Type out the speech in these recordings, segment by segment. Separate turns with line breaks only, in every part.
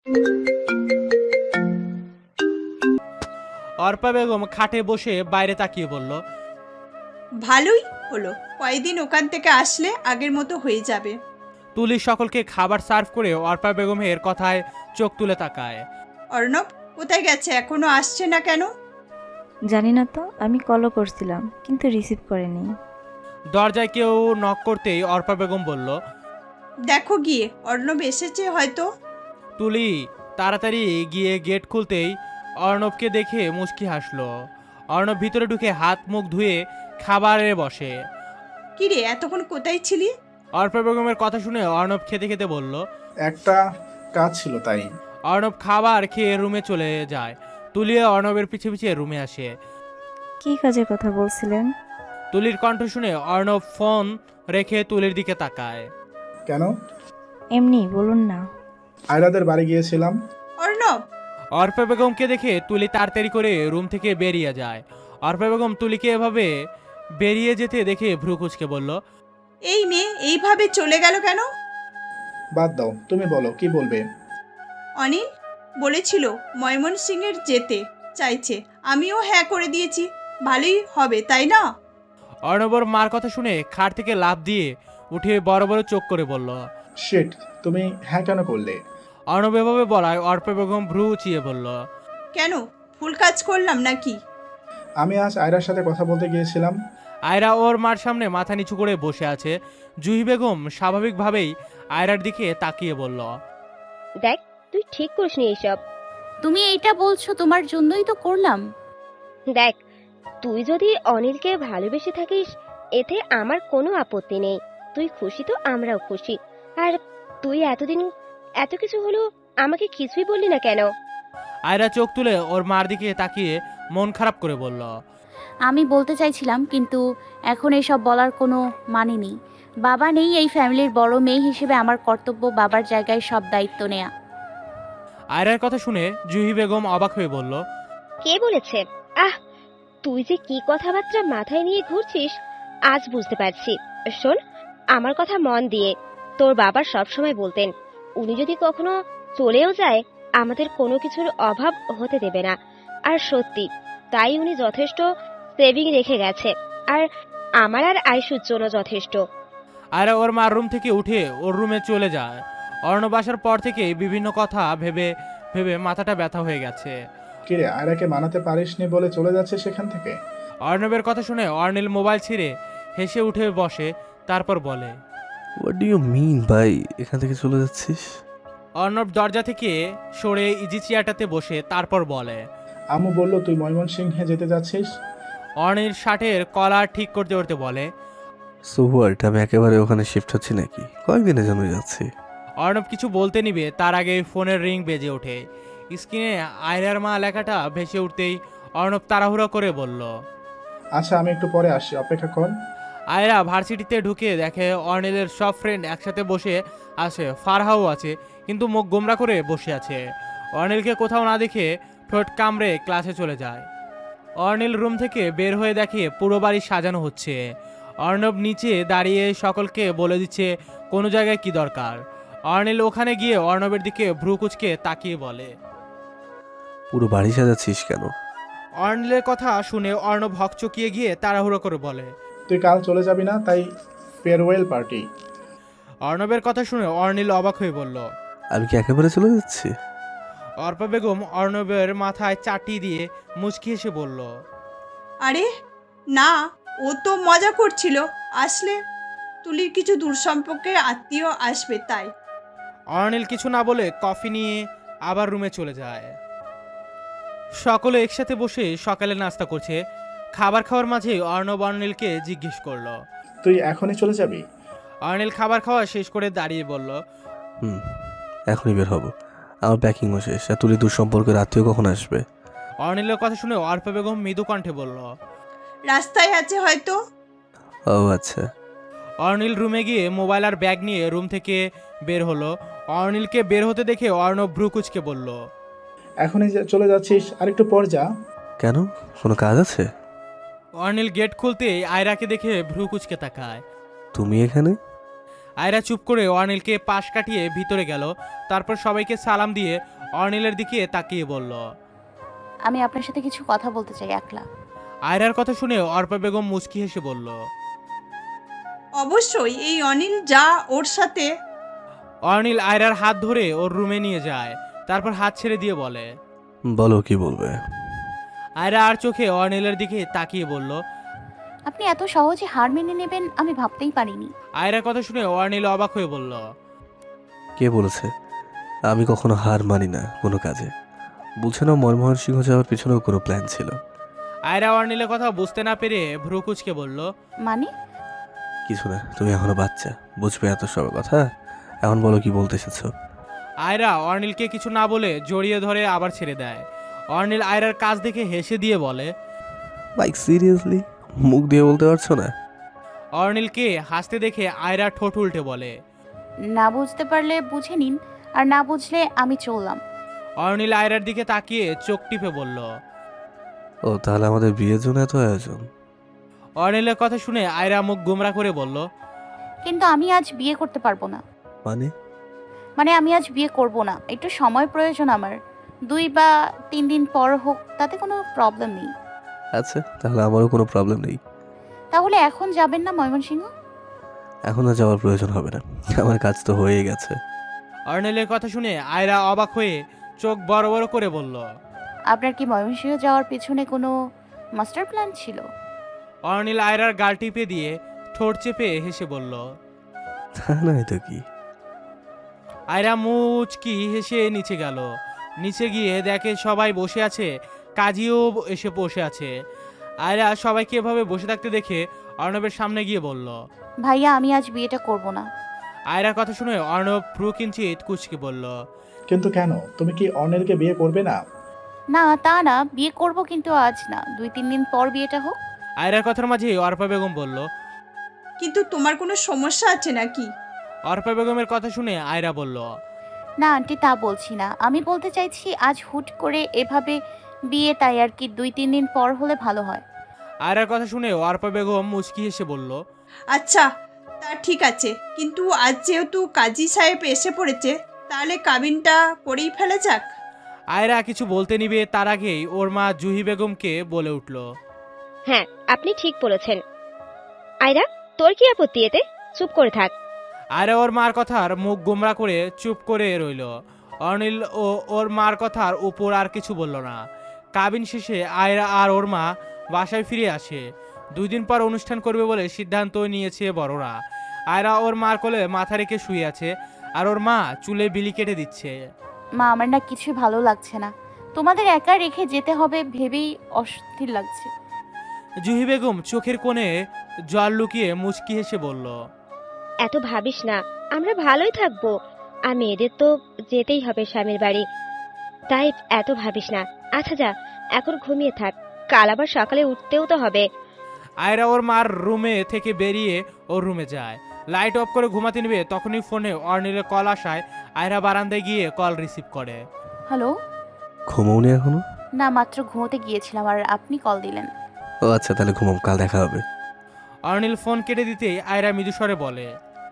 অর্পা বেগম খাটে বসে বাইরে তাকিয়ে বলল,
ভালোই হলো, কয়েকদিন ওখান থেকে আসলে আগের মতো হয়ে যাবে।
তুলি সকলকে খাবার সার্ভ করে অর্পা বেগমের কথায় চোখ তুলে তাকায়।
অর্ণব কোথায় গেছে, এখনো আসছে না কেন?
জানি না তো, আমি কলও করছিলাম কিন্তু রিসিভ করেনি।
দরজায় কেউ নক করতেই অর্পা বেগম বলল,
দেখো গিয়ে, অর্ণব এসেছে হয়তো।
তুলি তাড়াতাড়ি গিয়ে গেট খুলতেই অর্ণবকে দেখে মুচকি হাসলো। অর্ণব ভিতরে ঢুকে হাত মুখ ধুয়ে খাবারে বসে।
কিরে, এতক্ষণ কোথায় ছিলি?
অর্পা বেগমের কথা শুনে অর্ণব খেতে খেতে বলল।
একটা কাজ ছিল তাই।
অর্ণব খাবার খেয়ে রুমে চলে যায়। তুলি অর্ণবের পিছে পিছে রুমে আসে।
কি কাজের কথা বলছিলেন?
তুলির কণ্ঠ শুনে অর্ণব ফোন রেখে তুলির দিকে তাকায়।
কেন?
এমনি বলুন না।
আয়রাদের বাড়ি গিয়েছিলাম।
অর্ণব,
অর্পা বেগমকে দেখে তুলি তাড়াতাড়ি করে রুম থেকে বেরিয়ে যায়। অর্পা বেগম তুলিকে এভাবে বেরিয়ে যেতে দেখে ভ্রু কুঁচকে বলল,
এই মেয়ে এইভাবে চলে গেল কেন?
বাদ দাও, তুমি বলো কি বলবে।
অনিল বলেছিল ময়মনসিংহের যেতে চাইছে, আমিও হ্যাঁ করে দিয়েছি। ভালোই হবে তাই না?
অর্ণবর মার কথা শুনে খাট থেকে লাফ দিয়ে উঠে বড় বড় চোখ করে বলল।
শিট, তুমি হ্যাঁ কেন করলে?
অর্ণব এভাবে বলায় অর্পা বেগম ভ্রু উঁচিয়ে বলল,
কেন, ভুল কাজ করলাম নাকি?
আমি আজ আয়রার সাথে কথা বলতে গিয়েছিলাম।
আয়রা ওর মার সামনে মাথা নিচু করে বসে আছে। জুহি বেগম স্বাভাবিকভাবেই আয়রার দিকে তাকিয়ে বলল,
দেখ, তুই ঠিক করিসনি এইসব।
তুমি এইটা বলছো তোমার জন্যই তো করলাম।
দেখ, তুই যদি অনিলকে ভালোবেসে থাকিস এতে আমার কোনো আপত্তি নেই। তুই খুশি তো আমরাও খুশি। আর তুই এতদিন এত কিছু হলো, আমাকে কিছুই বললি না কেন?
আয়রা চোখ তুলে ওর মার দিকে তাকিয়ে মন খারাপ করে বলল,
আমি বলতে চাইছিলাম কিন্তু এখন এসব বলার কোনো মানে নেই। বাবা নেই, এই ফ্যামিলির বড় মেয়ে হিসেবে আমার কর্তব্য বাবার জায়গায় সব দায়িত্ব নেয়া।
আয়রার কথা শুনে জুহি বেগম অবাক হয়ে বলল,
কে বলেছে? আহ, তুই যে কি কথাবার্তা মাথায় নিয়ে ঘুরছিস আজ বুঝতে পারছি। শোন, আমার কথা মন দিয়ে, তোর বাবা সবসময় বলতেন উনি যদি কখনো চলেও যায় আমাদের কোনো কিছুর অভাব হতে দেবে না। আর সত্যি তাই উনি যথেষ্ট সেভিং রেখে গেছে। আর আমার আর আয়ুষের জন্য যথেষ্ট।
আয়রা ওর মার রুম থেকে উঠে ওর রুমে চলে যায়। অর্ণব আসার পর থেকে বিভিন্ন কথা ভেবে ভেবে মাথাটা ব্যথা হয়ে গেছে।
কিরে, আয়রাকে মানাতে পারিসনি বলে চলে যাচ্ছে সেখান থেকে?
অর্ণবের কথা শুনে অর্নিল মোবাইল ছিঁড়ে হেসে উঠে বসে, তারপর বলে,
হোয়াট ডু ইউ মিন ভাই, এখান থেকে চলে যাচ্ছিস?
অর্ণব দরজা থেকে সরে ইজি চেয়ারটাতে বসে তারপর বলে,
আম্মু বলল তুই ময়মনসিংহে যেতে যাচ্ছিস।
অর্নিল শার্টের কলার ঠিক করতে করতে বলে,
সো হোয়াট, আমি একেবারে ওখানে শিফট হচ্ছি নাকি? কয়েকদিনের জন্য যাচ্ছি।
অর্ণব কিছু বলতে নিবে তার আগে ফোনের রিং বেজে ওঠে। স্ক্রিনে আয়রার মা লেখাটা ভেসে উঠতেই অর্ণব তাড়াহুড়ো করে বলল,
আচ্ছা, আমি একটু পরে আসি, অপেক্ষা কর।
আয়রা ভার্সিটিতে ঢুকে দেখে অর্নিলের সব ফ্রেন্ড একসাথে বসে আছে। ফারহাও আছে, কিন্তু মুখ গোমরা করে বসে আছে। অর্নিলকে কোথাও না দেখে ঠোঁট কামড়ে ক্লাসে চলে যায়। অর্নিল রুম থেকে বের হয়ে দেখে পুরো বাড়ি সাজানো হচ্ছে। অর্ণব নিচে দাঁড়িয়ে সকলকে বলে দিচ্ছে কোনো জায়গায় কি দরকার। অর্নিল ওখানে গিয়ে অর্ণবের দিকে ভ্রু কুচকে তাকিয়ে বলে,
পুরো বাড়ি সাজাচ্ছিস কেন?
অর্নিলের কথা শুনে অর্ণব হকচকিয়ে গিয়ে তাড়াহুড়ো করে বলে,
তুই কাল চলে যাবি না, তাই ফেয়ারওয়েল পার্টি।
অর্ণবের কথা শুনে অর্নিল অবাক হয়ে বলল।
আমি কি একেবারে চলে যাচ্ছি?
অর্পা বেগম অর্ণবের মাথায় চাটি দিয়ে মুচকি হেসে বলল,
আরে না, ও তো মজা করছিল। আসলে তুলির কিছু দূর সম্পর্কের আত্মীয় আসবে তাই।
অর্নিল কিছু না বলে কফি নিয়ে আবার রুমে চলে যায়। সকলে একসাথে বসে সকালে নাস্তা করছে। খাবার খাওয়ার মাঝে অর্ণব অর্নিলকে জিজ্ঞেস করলো,
তুই এখনই চলে যাবি?
অর্নিল খাবার খাওয়া শেষ করে দাঁড়িয়ে বলল,
হুম, এখনই বের হব। আমার প্যাকিংও শেষ। আর তুলি দূর সম্পর্কের আত্মীয় কখন আসবে?
অর্নিলের কথা শুনে অর্পা বেগম মৃদু কণ্ঠে বলল,
রাস্তায় আছে হয়তো।
ও আচ্ছা।
অর্নিল রুমে গিয়ে মোবাইল আর ব্যাগ নিয়ে রুম থেকে বের হলো। অর্নিলকে বের হতে দেখে অর্ণব ভ্রু কুচকে বলল,
এখনই চলে যাচ্ছিস? আর একটু পর যা।
কেন, কোনো কাজ আছে?
অর্নিল গেট খুলতেই আয়রাকে দেখে ভ্রু কুচকে তাকায়।
তুমি এখানে?
আয়রা চুপ করে অর্নিলকে পাশ কাটিয়ে ভিতরে গেল। তারপর সবাইকে সালাম দিয়ে অর্নিলের দিকে তাকিয়ে বলল।
আমি আপনার সাথে কিছু কথা বলতে চাই একলা।
আয়রার কথা শুনে অর্পা বেগম মুচকি হেসে বলল।
অবশ্যই, এই অনিল যা ওর সাথে।
অর্নিল আয়রার হাত ধরে ওর রুমে নিয়ে যায়, তারপর হাত ছেড়ে দিয়ে বলে।
বলো কি বলবে।
আয়রা আর চোখে অর্নিলের দিকে তাকিয়ে বলল।
আপনি এত সহজে হার মেনে নেবেন আমি ভাবতেই পারিনি।
আয়রার কথা শুনে অর্নিল অবাক হয়ে বলল।
কে বলেছে? আমি কখনো হার মানি না কোনো কাজে। বুঝছে না, মনমোহন সিংহ যাওয়ার পিছনেও কোনো প্ল্যান ছিল।
আয়রা অর্নিলের কথা বুঝতে না পেরে ভ্রু কুঁচকে বলল।
মানে?
কিছু না, তুমি এখনো বাচ্চা, বুঝবে এত সব কথা। এখন বলো কি বলতে এসেছো।
আয়রা অর্নিলকে কিছু না বলে জড়িয়ে ধরে আবার ছেড়ে দেয়। অর্নিল আয়রার কাজ দেখে হেসে দিয়ে বলে।
লাইক সিরিয়াসলি মুখ দিয়ে বলতে পারছো না?
অর্নিলকে হাসতে দেখে আয়রা ঠোঁট উল্টে বলে।
না বুঝতে পারলে বুঝে নিন, আর না বুঝলে আমি চললাম।
অর্নিল আয়রার দিকে তাকিয়ে চোখ টিপে বলল।
ও তাহলে আমাদের বিয়ের জন্য এত আয়োজন?
অর্নিলের কথা শুনে আয়রা মুখ গোমরা করে বলল।
কিন্তু আমি আজ বিয়ে করতে পারবো না।
মানে
আমি আজ বিয়ে করব না, একটু সময় প্রয়োজন আমার। 2 বা 3 দিন পর হোক, তাতে কোনো প্রবলেম নেই।
আচ্ছা, তাহলে আমারও কোনো প্রবলেম নেই।
তাহলে এখন যাবেন না ময়মনসিংহ?
এখন আর যাওয়ার প্রয়োজন হবে না, আমার কাজ তো হয়েই গেছে।
অর্নিলের কথা শুনে আয়রা অবাক হয়ে চোখ বড় বড় করে বলল।
আপনার কি ময়মনসিংহ যাওয়ার পেছনে কোনো মাস্টার প্ল্যান ছিল?
অর্নিল আয়রার গাল টিপে দিয়ে ঠোঁট চেপে হেসে বলল।
তা নয় তো কি।
আয়রা মুচকি হেসে নিচে গেল। নিচে গিয়ে দেখে সবাই বসে আছে, কাজীও এসে বসে আছে। আয়রা সবাইকে এভাবে বসে থাকতে দেখে অর্ণবের সামনে গিয়ে বলল।
ভাইয়া আমি আজ বিয়েটা করব না।
আয়রার কথা শুনে অর্ণব ভ্রু কিঞ্চিত কুচকে বলল।
কিন্তু কেন? তুমি কি অনিলকে বিয়ে করবে না?
না তা না, বিয়ে করব কিন্তু আজ না, 2-3 দিন পর বিয়েটা হোক।
আয়রার কথার মাঝে অর্পা বেগম বলল।
কিন্তু তোমার কোনো সমস্যা আছে নাকি?
অর্পা বেগমের কথা শুনে আয়রা বলল।
না আন্টি, তা বলছি না, আমি বলতে চাইছি আজ হুট করে এভাবে বিয়ে, তাই আর কি 2-3 দিন পর হলে ভালো হয়।
আয়রার কথা শুনে অর্পা বেগম মুচকি হেসে বলল।
আচ্ছা, তা ঠিক আছে, কিন্তু আজ যেহেতু কাজী সাহেব এসে পড়েছে, তাহলে কাবিনটা করেই ফেলা যাক।
আয়রা কিছু বলতে নিবে তার আগেই ওর মা জুহি বেগমকে বলে উঠল।
হ্যাঁ, আপনি ঠিক বলেছেন। আয়রা, তোর কি আপত্তি এতে? চুপ করে থাক।
আয়রা ওর মার কথার মুখ গোমরা করে চুপ করে রইল। অনিল ও ওর মার কথার উপর আর কিছু বলল না। কাবিন শেষে আয়রা আর ওর মা বাসায় ফিরে আসে। 2 দিন পর অনুষ্ঠান করবে বলে সিদ্ধান্ত নিয়েছে বড়রা। আয়রা ওর মার কোলে মাথা রেখে শুয়ে আছে, আর ওর মা চুলে বিলি কেটে দিচ্ছে।
মা, আমার না কিছু ভালো লাগছে না, তোমাদের একা রেখে যেতে হবে ভেবেই অস্থির লাগছে।
জুহি বেগম চোখের কোণে জল লুকিয়ে মুচকি হেসে বলল।
এত ভাবিস না, আমরা ভালোই থাকবো। আর মেয়েদের তো যেতেই হবে স্বামীর বাড়ি, তাই এত ভাবিস না। আচ্ছা যা, এখন ঘুমিয়ে থাক, কাল আবার সকালে উঠতেও তো হবে।
আয়রা ওর মার রুমে থেকে বেরিয়ে ওর রুমে যায়। লাইট অফ করে ঘুমাতে নেবে, তখনই ফোনে অর্নিলের কল আসায় আয়রা বারান্দায় গিয়ে কল রিসিভ করে।
হ্যালো?
ঘুমোওনি এখনো?
না, মাত্র ঘুমোতে গিয়েছিলাম আর আপনি কল দিলেন।
ও আচ্ছা, তাহলে ঘুমাও, কাল দেখা হবে।
অর্নিল ফোন কেটে দিতেই আয়রা মৃদুস্বরে বলে।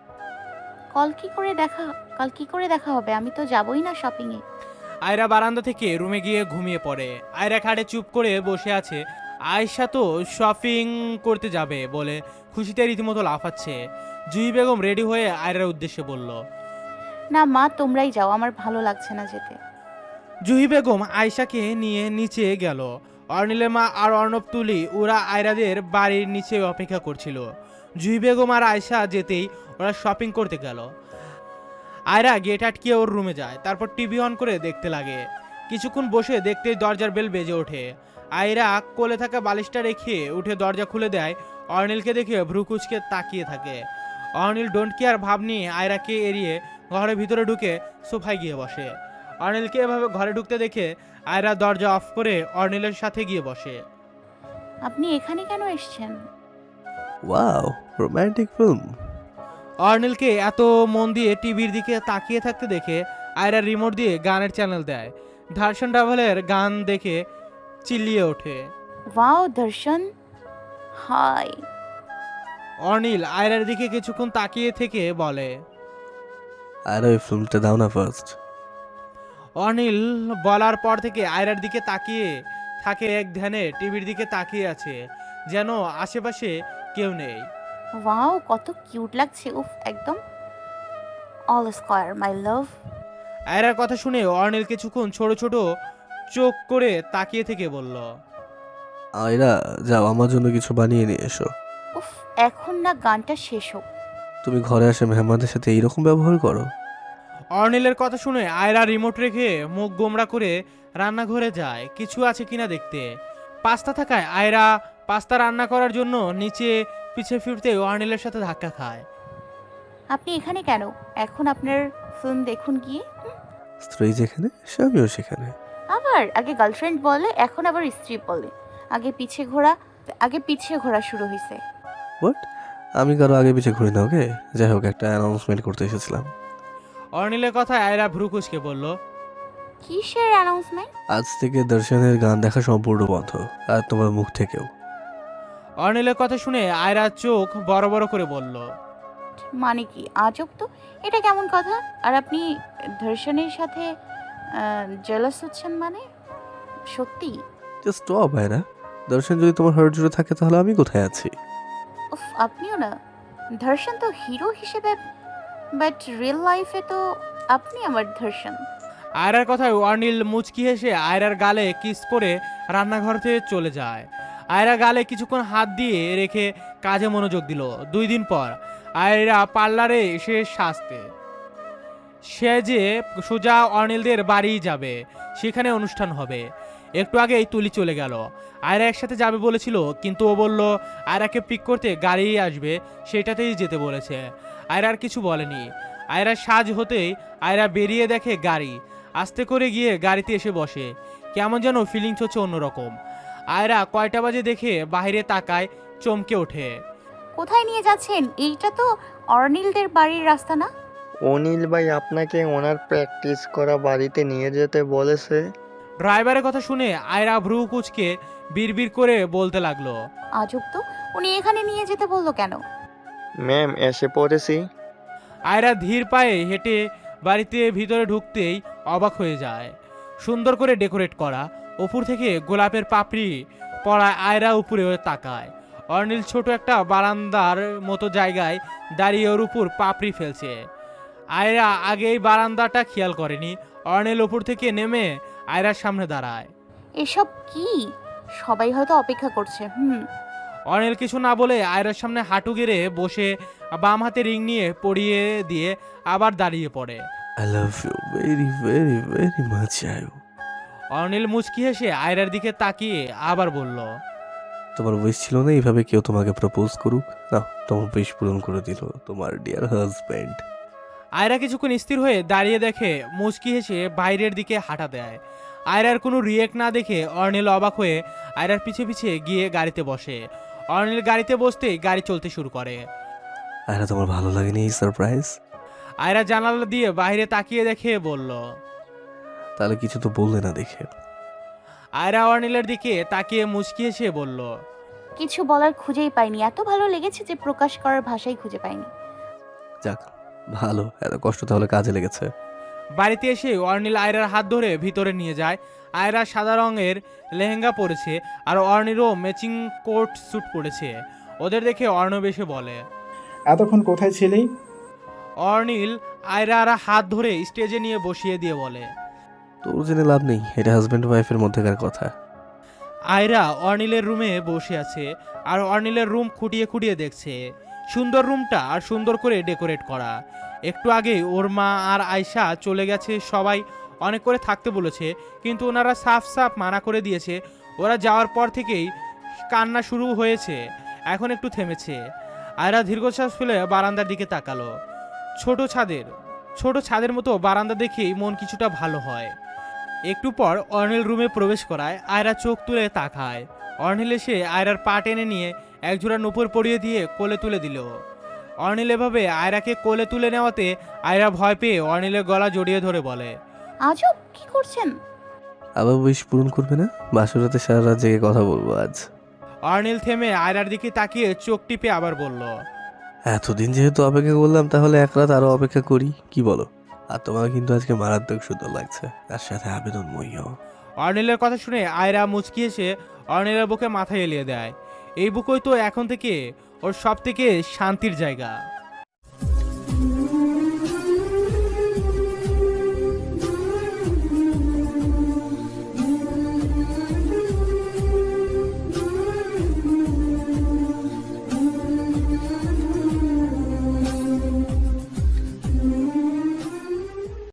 কাল কি করে দেখা হবে? আমি তো যাবই না শপিং এ।
আয়রা বারান্দা থেকে রুমে গিয়ে ঘুমিয়ে পড়ে। আয়রা খাটে চুপ করে বসে আছে। আয়শা তো শপিং করতে যাবে বলে খুশিতে রীতিমতো লাফাচ্ছে। জুহি বেগম রেডি হয়ে আয়রার উদ্দেশ্যে বলল।
না মা, তোমরাই যাও, আমার ভালো লাগছে না যেতে।
জুহি বেগম আয়শাকে নিয়ে নিচে গেল। অর্নিলের মা আর অর্ণব তুলি ওরা আয়রাদের বাড়ির নিচে অপেক্ষা করছিল। জুহি বেগম আর আয়শা যেতেই ওরা শপিং করতে গেল। আয়রা গেট আটকিয়ে ওর রুমে যায়, তারপর টিভি অন করে দেখতে লাগে। কিছুক্ষণ বসে দেখতেই দরজার বেল বেজে ওঠে। আয়রা কোলে থাকা বালিশটা রেখে উঠে দরজা খুলে দেয়। অর্নিলকে দেখে ভ্রু কুচকে তাকিয়ে থাকে। অর্নিল ডোন্ট কেয়ার ভাব নিয়ে আয়রাকে এড়িয়ে ঘরের ভিতরে ঢুকে সোফায় গিয়ে বসে। অর্নিলকে এভাবে ঘরে ঢুকতে দেখে আয়রা দরজা অফ করে অর্নিলের সাথে গিয়ে বসে।
আপনি এখানে কেন এসেছেন?
Wow, romantic film.
অর্নিলকে এত মন দিয়ে টিভির দিকে তাকিয়ে থাকতে দেখে আয়রা রিমোট দিয়ে গানের চ্যানেল দেয়। দর্শন রাভালের গান দেখে চিল্লিয়ে ওঠে।
ওয়াও দর্শন, হাই।
অর্নিল আয়রার দিকে কিছুক্ষণ তাকিয়ে থেকে বলে।
আর ওই ফিল্মটা দাও না ফার্স্ট।
অনিল বলার পর থেকে আয়রার দিকে তাকিয়ে থাকে, এক ধ্যানে টিভির দিকে তাকিয়ে আছে, যেন আশেপাশে কেউ নেই।
ওয়াও, কত কিউট লাগছে, উফ একদম অল স্কয়ার মাই লাভ।
আয়রার কথা শুনে অর্নিল কিছুক্ষণ ছোট ছোট চোখ করে তাকিয়ে থেকে বলল।
আয়রা যাও, আমার জন্য কিছু বানিয়ে নিয়ে এসো।
উফ, এখন না গানটা শেষ হোক।
তুমি ঘরে আসে মেহমানদের সাথে এইরকম ব্যবহার করো?
অর্নিলের কথা শুনে আয়রা রিমোট রেখে মুখ গোমড়া করে রান্নাঘরে যায় কিছু আছে কিনা দেখতে। পাস্তা থাকায় আয়রা পাস্তা রান্না করার জন্য নিচে পিছে ফিরতে অর্নিলের সাথে ধাক্কা খায়।
আপনি এখানে কেন? এখন আপনার ফিল্ম দেখুন গিয়ে।
স্ত্রী যেখানে স্বামীও সেখানে।
আবার আগে গার্লফ্রেন্ড বলে, এখন আবার স্ত্রী বলে। আগে পিছে ঘোরা শুরু হয়েছে।
বাট আমি কারো আগে পিছিয়ে ঘুরি না, ওকে? যাই হোক, একটা অ্যানাউন্সমেন্ট করতে এসেছিলাম।
অর্নিলের কথায় আয়রা ভ্রুকুচকে বলল।
কিসের অ্যানাউন্সমেন্ট?
আজ থেকে দর্শনের গান দেখা সম্পূর্ণ বন্ধ, আর তোমার মুখ থেকেও।
অর্নিলের কথা শুনে আয়রা চোখ বড় বড় করে বলল।
মানে কি আজব তো, এটা কেমন কথা? আর আপনি ধর্ষণের সাথে জেলাস হচ্ছেন মানে? সত্যি?
Just stop Ayra. দর্শন যদি তোমার হার্ট জুড়ে থাকে তাহলে আমি কোথায় আছি?
উফ, আপনিও না। ধর্ষণ তো হিরো হিসেবে, বাট রিয়েল লাইফে তো আপনি আমার ধর্ষণ।
আয়রার কথায় অর্নিল মুচকি হেসে আয়রার গালে কিস করে রান্নাঘর থেকে চলে যায়। আয়রা গালে কিছুক্ষণ হাত দিয়ে রেখে কাজে মনোযোগ দিল। 2 দিন পর আয়রা পার্লারে এসে সাজতে সে যে সোজা অর্নিলদের বাড়ি যাবে, সেখানে অনুষ্ঠান হবে। একটু আগেই তুলি চলে গেল। আয়রা একসাথে যাবে বলেছিল, কিন্তু ও বলল আয়রাকে পিক করতে গাড়ি আসবে, সেটাতেই যেতে বলেছে। আয়রা আর কিছু বলেনি। আয়রার সাজ হতেই আয়রা বেরিয়ে দেখে গাড়ি। আস্তে করে গিয়ে গাড়িতে এসে বসে। কেমন যেন ফিলিংস হচ্ছে অন্যরকম। আয়রা কয়টা বাজে দেখে বাইরে তাকায়, চমকে ওঠে।
কোথায় নিয়ে যাচ্ছেন? এইটা তো অর্নিলদের বাড়ির রাস্তা না?
অনিল ভাই আপনাকে ওনার প্র্যাকটিস করা বাড়িতে নিয়ে যেতে বলেছে।
ড্রাইভারের কথা শুনে আয়রা ভ্রু কুচকে বিড়বিড় করে বলতে লাগলো।
আজব তো, উনি এখানে নিয়ে যেতে বললো কেন?
ম্যাম এসে পড়েছি।
আয়রা ধীর পায়ে হেঁটে বাড়িতে ভিতরে ঢুকতেই অবাক হয়ে যায়। সুন্দর করে ডেকোরেট করা, উপর থেকে গোলাপের পাপড়ি পড়া। আয়রা উপরে তাকায়। অর্নিল ছোট একটা বারান্দার মতো জায়গায় দাঁড়িয়ে ওর উপর পাপড়ি ফেলছে। আয়রা আগে এই বারান্দাটা খেয়াল করেনি। অর্নিল উপর থেকে নেমে আয়রার সামনে দাঁড়ায়।
এসব কি? সবাই হয়তো অপেক্ষা করছে।
অনিল কিছু না বলে আয়রার সামনে হাঁটু গেড়ে বসে বাম হাতে রিং নিয়ে পরিয়ে দিয়ে আবার দাঁড়িয়ে পড়ে।
I love you very very very much Ayu.
Anil মুচকি হেসে আয়রার দিকে তাকিয়ে আবার বলল।
তোমার উইশ ছিল না এইভাবে কেউ তোমাকে প্রপোজ করুক? না, তোমার উইশ পূরণ করে দিল তোমার ডিয়ার হাজব্যান্ড।
আয়রা কিছুক্ষণ স্থির হয়ে দাঁড়িয়ে দেখে মুচকি হেসে বাইরের দিকে হাঁটা দেয়। আয়রার কোনো রিয়েক্ট না দেখে অর্নিল অবাক হয়ে আয়রার পিছে পিছে গিয়ে গাড়িতে বসে। অর্নিল গাড়িতে বসতেই গাড়ি চলতে শুরু করে।
আয়রা, তোমার ভালো লাগেনি এই সারপ্রাইজ?
আয়রা জানালা দিয়ে বাইরে তাকিয়ে দেখে বলল।
তাহলে কিছু তো বললে না দেখে।
আয়রা অর্নিলের দিকে তাকিয়ে মুচকি হেসে বলল।
কিছু বলার খুঁজেই পাইনি, এত ভালো লেগেছে যে প্রকাশ করার ভাষাই খুঁজে পাইনি।
যাক ভালো, এত কষ্ট তাহলে কাজে লেগেছে।
বাড়িতে এসে অর্নিল আয়রার হাত ধরে ভিতরে নিয়ে যায়। আয়রা সাদা রঙের লেহেঙ্গা পরেছে আর অর্নিলও ম্যাচিং কোট স্যুট পরেছে। ওদের দেখে অর্ণব এসে বলে।
এতক্ষণ কোথায় ছিলি?
অর্নিল আয়রার হাত ধরে স্টেজে নিয়ে বসিয়ে দিয়ে বলে।
তোর জেনে লাভ নেই, এটা হাজব্যান্ড ওয়াইফের মধ্যেকার কথা।
আয়রা অর্নিলের রুমে বসে আছে আর অর্নিলের রুম খুঁটিয়ে খুঁটিয়ে দেখছে। সুন্দর রুমটা আর সুন্দর করে ডেকোরেট করা। একটু আগে ওর মা আর আয়শা চলে গেছে, সবাই অনেক করে থাকতে বলেছে, কিন্তু ওনারা সাফ সাফ মানা করে দিয়েছে। ওরা যাওয়ার পর থেকেই কান্না শুরু হয়েছে, এখন একটু থেমেছে। আয়রা দীর্ঘশ্বাস ফেলে বারান্দার দিকে তাকালো। ছোট ছাদের মতো বারান্দা দেখেই মন কিছুটা ভালো হয়। একটু পর অর্নিল রুমে প্রবেশ করায় আয়রা চোখ তুলে তাকায়। অর্নিল এসে আয়রার পা টেনে নিয়ে একজোড়া নুপুর পরিয়ে দিয়ে কোলে তুলে দিল। অর্নিল এভাবে আয়রাকে কোলে তুলে নেওয়াতে আয়রা ভয় পেয়ে অর্নিলের গলা জড়িয়ে ধরে বলে।
আজব, কি করছেন?
আবার উইশ পূরণ করবে না? বাসরাতে সারা রাত জেগে কথা বলবো আজ।
অর্নিল থেমে আয়রার দিকে তাকিয়ে চোখ টিপে আবার বলল,
এতদিন যেহেতু অপেক্ষা করলাম তাহলে এক রাত আরো অপেক্ষা করি, কি বলো? আর তোমাকে কিন্তু আজকে মারাত্মক সুন্দর লাগছে, তার সাথে আবেদন মইও।
অর্নিলের কথা শুনে আয়রা মুচকি এসে অর্নিলের বুকে মাথা এলিয়ে দেয়। এই বুকই তো এখন থেকে ওর সব থেকে শান্তির জায়গা।